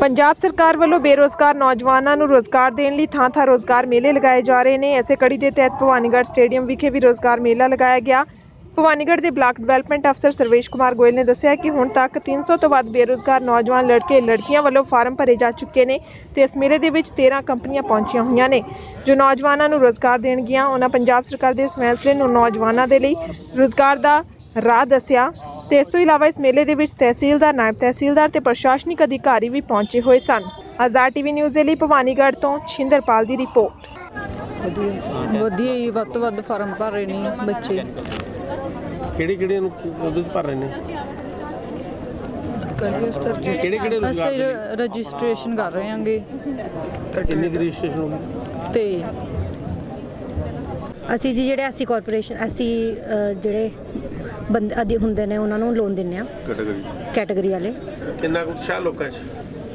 पंजाब सरकार वालों बेरोजगार नौजवानों को रोजगार देने लिए थां-थां रोजगार मेले लगाए जा रहे हैं। इसे कड़ी के तहत भवानीगढ़ स्टेडियम विखे भी रोजगार मेला लगाया गया। भवानीगढ़ के ब्लाक डिवेलपमेंट अफसर सर्वेश कुमार गोयल ने दस्सिया कि हुण तक 300 तो वध बेरोजगार नौजवान लड़के लड़कियां वालों फार्म भरे जा चुके हैं तो इस मेले के 13 कंपनियां पहुंचिया हुई ने जो नौजवानों को रोजगार देणगियां। उन्होंने पंजाब सरकार के इस फैसले को नौजवानों के लिए रोजगार का राह दस्सिया। तो इस तो इलावा इस मेले के तहसीलदार, नायब तहसीलदार ते प्रशासनिक अधिकारी भी पहुंचे हुए सन। आज़ाद टीवी न्यूज़ के लिए भवानीगढ़ तो छिंदरपाल की रिपोर्ट। ਵਧੀਆ ਹੀ ਵੱਧ ਤੋਂ ਵੱਧ ਫਾਰਮ ਭਰ ਰਹੇ ਨੇ ਬੱਚੇ। ਕਿਹੜੇ ਨੂੰ ਉਹਦੇ ਭਰ ਰਹੇ ਨੇ? ਕਿਹੜੇ ਅਸੀਂ ਰਜਿਸਟ੍ਰੇਸ਼ਨ ਕਰ ਰਹੇ ਹਾਂਗੇ। ਕਿੰਨੀ ਰਜਿਸਟ੍ਰੇਸ਼ਨ ਹੋ ਗਈ? ਤੇ ਅਸੀਂ ਜੀ ਜਿਹੜੇ ਅਸੀਂ ਕਾਰਪੋਰੇਸ਼ਨ ਅਸੀਂ ਜਿਹੜੇ ਬੰਦੇ ਆਦੀ ਹੁੰਦੇ ਨੇ ਉਹਨਾਂ ਨੂੰ ਲੋਨ ਦਿੰਨੇ ਆ ਕੈਟਾਗਰੀ ਵਾਲੇ। ਕਿੰਨਾ ਉਤਸ਼ਾਹ ਲੋਕਾਂ 'ਚ?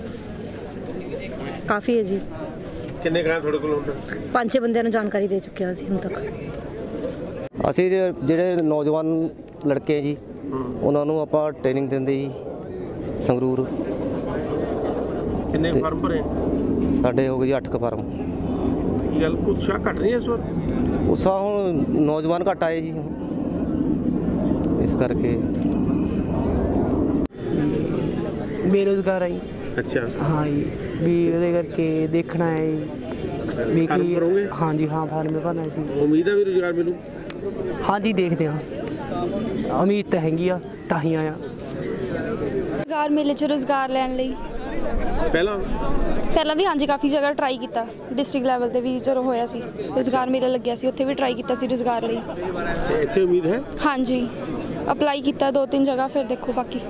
ਕਾਫੀ ਹੈ ਜੀ। ਕਿੰਨੇ ਗਾਂ ਤੁਹਾਡੇ ਕੋਲ ਹੁੰਦਾ? 5-6 ਬੰਦਿਆਂ ਨੂੰ ਜਾਣਕਾਰੀ ਦੇ ਚੁੱਕੇ ਹਾਂ ਅਸੀਂ ਹੁਣ ਤੱਕ। ਅਸੀਂ ਜਿਹੜੇ ਨੌਜਵਾਨ ਲੜਕੇ ਜੀ ਉਹਨਾਂ ਨੂੰ ਆਪਾਂ ਟ੍ਰੇਨਿੰਗ ਦਿੰਦੇ ਜੀ ਸੰਗਰੂਰ। ਕਿੰਨੇ ਫਾਰਮ ਭਰੇ? ਸਾਡੇ ਹੋ ਗਏ ਜੀ 8 ਫਾਰਮ। ਕੀ ਗੱਲ ਉਤਸ਼ਾਹ ਘਟ ਰਹੀ ਹੈ ਇਸ ਵਾਰ? ਉਤਸ਼ਾਹ ਹੁਣ ਨੌਜਵਾਨ ਘੱਟ ਆਏ ਜੀ ਇਸ ਕਰਕੇ बेरोजगार आई। अच्छा हाँ जी भी ਉਹਦੇ ਕਰਕੇ ਦੇਖਣਾ ਹੈ ਵੀ ਕੀ। हाँ जी हाँ फार्म में भरना सी। उम्मीद है भी रोजगार मिलू? हाँ जी देखते हाँ उम्मीद तो हैगी आ ਤਾਂ ਹੀ ਆਇਆ। रोजगार मेले 'ਚ रोजगार ਲੈਣ ਲਈ ਪਹਿਲਾਂ ਵੀ ਹਾਂਜੀ ਕਾਫੀ ਜਗ੍ਹਾ ਟਰਾਈ ਕੀਤਾ। ਡਿਸਟ੍ਰਿਕਟ ਲੈਵਲ ਤੇ ਵੀ ਜਦੋਂ ਹੋਇਆ ਸੀ ਰੋਜ਼ਗਾਰ ਮੇਲਾ ਲੱਗਿਆ ਸੀ ਉੱਥੇ ਵੀ ਟਰਾਈ ਕੀਤਾ ਸੀ ਰੋਜ਼ਗਾਰ ਲਈ। ਤੇ ਇੱਥੇ ਉਮੀਦ ਹੈ? ਹਾਂਜੀ ਅਪਲਾਈ ਕੀਤਾ 2-3 ਜਗ੍ਹਾ ਫਿਰ ਦੇਖੋ ਬਾਕੀ।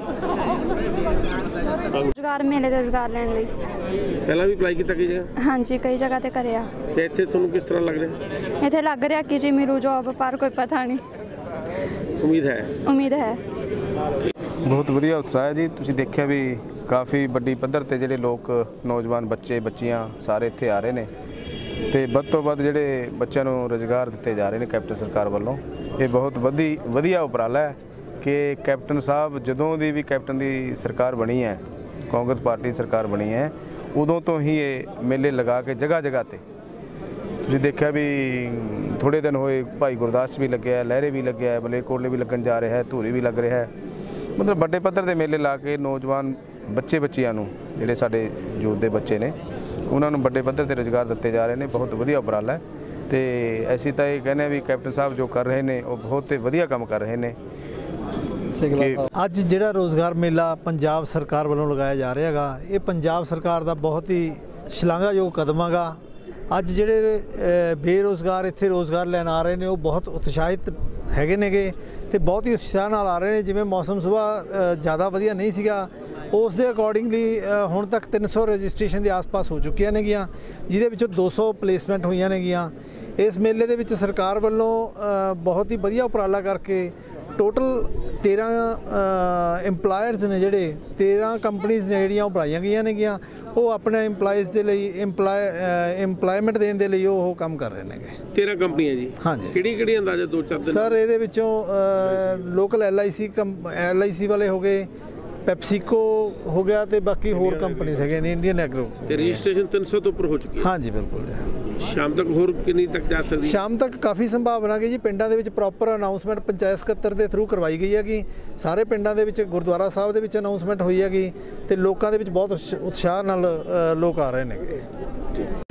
रोजगार मेले ਤੇ ਰੋਜ਼ਗਾਰ ਲੈਣ ਲਈ ਪਹਿਲਾਂ ਵੀ ਅਪਲਾਈ ਕੀਤਾ ਕਈ ਜਗ੍ਹਾ? ਹਾਂਜੀ ਕਈ ਜਗ੍ਹਾ ਤੇ ਕਰਿਆ। ਤੇ ਇੱਥੇ ਤੁਹਾਨੂੰ ਕਿਸ ਤਰ੍ਹਾਂ ਲੱਗ ਰਿਹਾ? ਇੱਥੇ ਲੱਗ ਰਿਹਾ ਕਿ ਜੀ ਮਿਲੂ ਜੋਬ ਪਰ ਕੋਈ ਪਤਾ ਨਹੀਂ। ਉਮੀਦ ਹੈ? ਉਮੀਦ ਹੈ। ਬਹੁਤ ਵਧੀਆ ਉਤਸ਼ਾਹ ਹੈ ਜੀ। ਤੁਸੀਂ ਦੇਖਿਆ ਵੀ ਕਾਫੀ ਵੱਡੀ ਪੱਧਰ ਤੇ ਜਿਹੜੇ ਲੋਕ ਨੌਜਵਾਨ ਬੱਚੇ ਬੱਚੀਆਂ ਸਾਰੇ ਇੱਥੇ ਆ ਰਹੇ ਨੇ ਤੇ ਵੱਧ ਤੋਂ ਵੱਧ ਜਿਹੜੇ ਬੱਚਿਆਂ ਨੂੰ ਰੁਜ਼ਗਾਰ ਦਿੱਤੇ ਜਾ ਰਹੇ ਨੇ ਕੈਪਟਨ ਸਰਕਾਰ ਵੱਲੋਂ। ਇਹ ਬਹੁਤ ਵਧੀਆ ਉਪਰਾਲਾ ਹੈ ਕਿ ਕੈਪਟਨ ਸਾਹਿਬ ਜਦੋਂ ਦੀ ਵੀ ਕੈਪਟਨ ਦੀ ਸਰਕਾਰ ਬਣੀ ਹੈ, ਕਾਂਗਰਸ ਪਾਰਟੀ ਸਰਕਾਰ ਬਣੀ ਹੈ, ਉਦੋਂ ਤੋਂ ਹੀ ਇਹ ਮੇਲੇ ਲਗਾ ਕੇ ਜਗ੍ਹਾ ਜਗ੍ਹਾ ਤੇ ਤੁਸੀਂ ਦੇਖਿਆ ਵੀ ਥੋੜ੍ਹੇ ਦਿਨ ਹੋਏ ਭਾਈ ਗੁਰਦਾਸ ਵੀ ਲੱਗਿਆ, ਲਹਿਰੇ ਵੀ ਲੱਗਿਆ, ਮਲੇਰਕੋਟਲੇ ਵੀ ਲੱਗਣ ਜਾ ਰਿਹਾ ਹੈ, ਧੂਰੀ ਵੀ ਲੱਗ ਰਿਹਾ ਹੈ। ਮਤਲਬ ਵੱਡੇ ਪੱਧਰ ਦੇ ਮੇਲੇ ਲਾ ਕੇ ਨੌਜਵਾਨ ਬੱਚੇ ਬੱਚੀਆਂ ਨੂੰ ਜਿਹੜੇ ਸਾਡੇ ਯੂਥ ਦੇ ਬੱਚੇ ਨੇ ਉਹਨਾਂ ਨੂੰ ਵੱਡੇ ਪੱਧਰ 'ਤੇ ਰੁਜ਼ਗਾਰ ਦਿੱਤੇ ਜਾ ਰਹੇ ਨੇ। ਬਹੁਤ ਵਧੀਆ ਉਪਰਾਲਾ ਹੈ ਤੇ ਅਸੀਂ ਤਾਂ ਇਹ ਕਹਿੰਦੇ ਹਾਂ ਵੀ ਕੈਪਟਨ ਸਾਹਿਬ ਜੋ ਕਰ ਰਹੇ ਨੇ ਉਹ ਬਹੁਤ ਵਧੀਆ ਕੰਮ ਕਰ ਰਹੇ ਨੇ। ਅੱਜ ਜਿਹੜਾ ਰੋਜ਼ਗਾਰ ਮੇਲਾ ਪੰਜਾਬ ਸਰਕਾਰ ਵੱਲੋਂ ਲਗਾਇਆ ਜਾ ਰਿਹਾ ਹੈਗਾ ਇਹ ਪੰਜਾਬ ਸਰਕਾਰ ਦਾ ਬਹੁਤ ਹੀ ਸ਼ਲਾਘਾਯੋਗ ਕਦਮ ਹੈਗਾ। ਅੱਜ ਜਿਹੜੇ ਬੇਰੁਜ਼ਗਾਰ ਇੱਥੇ ਰੋਜ਼ਗਾਰ ਲੈਣ ਆ ਰਹੇ ਨੇ ਉਹ ਬਹੁਤ ਉਤਸ਼ਾਹਿਤ ਹੈਗੇ ਨੇਗੇ ਤੇ ਬਹੁਤ ਹੀ ਉਤਸ਼ਾਹ ਨਾਲ ਆ ਰਹੇ ਨੇ। ਜਿਵੇਂ ਮੌਸਮ ਸੁਬਾਹ ਜ਼ਿਆਦਾ ਵਧੀਆ ਨਹੀਂ ਸੀਗਾ ਉਸ ਦੇ ਅਕੋਰਡਿੰਗਲੀ ਹੁਣ ਤੱਕ 300 ਰਜਿਸਟ੍ਰੇਸ਼ਨ ਦੇ ਆਸ-ਪਾਸ ਹੋ ਚੁੱਕੀਆਂ ਨੇਗੀਆਂ ਜਿਹਦੇ ਵਿੱਚੋਂ 200 ਪਲੇਸਮੈਂਟ ਹੋਈਆਂ ਨੇਗੀਆਂ। ਇਸ ਮੇਲੇ ਦੇ ਵਿੱਚ ਸਰਕਾਰ ਵੱਲੋਂ ਬਹੁਤ ਹੀ ਵਧੀਆ ਉਪਰਾਲਾ ਕਰਕੇ ਟੋਟਲ 13 ਇੰਪਲਾਇਰਸ ਨੇ ਜਿਹੜੇ 13 ਕੰਪਨੀਜ਼ ਨੇ ਜਿਹੜੀਆਂ ਉਹ ਬਣਾਈਆਂ ਗਈਆਂ ਨੇਗੀਆਂ। ਉਹ ਆਪਣੇ ਇੰਪਲਾਈਜ਼ ਦੇ ਲਈ ਇੰਪਲਾਇਮੈਂਟ ਦੇਣ ਦੇ ਲਈ ਉਹ ਕੰਮ ਕਰ ਰਹੇ ਨੇਗੇ। 13 ਕੰਪਨੀਆਂ ਜੀ? ਹਾਂਜੀ। ਕਿਹੜੀ ਅੰਦਾਜ਼ਾ 2-4 ਦਿਨ? ਸਰ ਇਹਦੇ ਵਿੱਚੋਂ ਲੋਕਲ LIC ਵਾਲੇ ਹੋ ਗਏ, ਪੈਪਸੀਕੋ ਹੋ ਗਿਆ ਤੇ ਬਾਕੀ ਹੋਰ ਕੰਪਨੀਆਂ ਹੈਗੀਆਂ ਨੇ, ਇੰਡੀਅਨ ਐਗਰੋ। ਤੇ ਰਜਿਸਟ੍ਰੇਸ਼ਨ 300 ਤੋਂ ਉੱਪਰ ਹੋ ਚੁੱਕੀ ਹੈ? ਹਾਂਜੀ ਬਿਲਕੁਲ ਜੀ। ਸ਼ਾਮ ਤੱਕ ਹੋਰ ਕਿੰਨੀ ਤੱਕ ਜਾ ਸਕਦੀ? ਸ਼ਾਮ ਤੱਕ ਕਾਫੀ ਸੰਭਾਵਨਾ ਹੈ ਜੀ। ਪਿੰਡਾਂ ਦੇ ਵਿੱਚ ਪ੍ਰੋਪਰ ਅਨਾਉਂਸਮੈਂਟ ਪੰਚਾਇਤ ਸਕੱਤਰ ਦੇ ਥਰੂ ਕਰਵਾਈ ਗਈ ਹੈਗੀ। ਸਾਰੇ ਪਿੰਡਾਂ ਦੇ ਵਿੱਚ ਗੁਰਦੁਆਰਾ ਸਾਹਿਬ ਦੇ ਵਿੱਚ ਅਨਾਉਂਸਮੈਂਟ ਹੋਈ ਹੈਗੀ ਤੇ ਲੋਕਾਂ ਦੇ ਵਿੱਚ ਬਹੁਤ ਉਤਸ਼ਾਹ ਨਾਲ ਲੋਕ ਆ ਰਹੇ ਨੇ।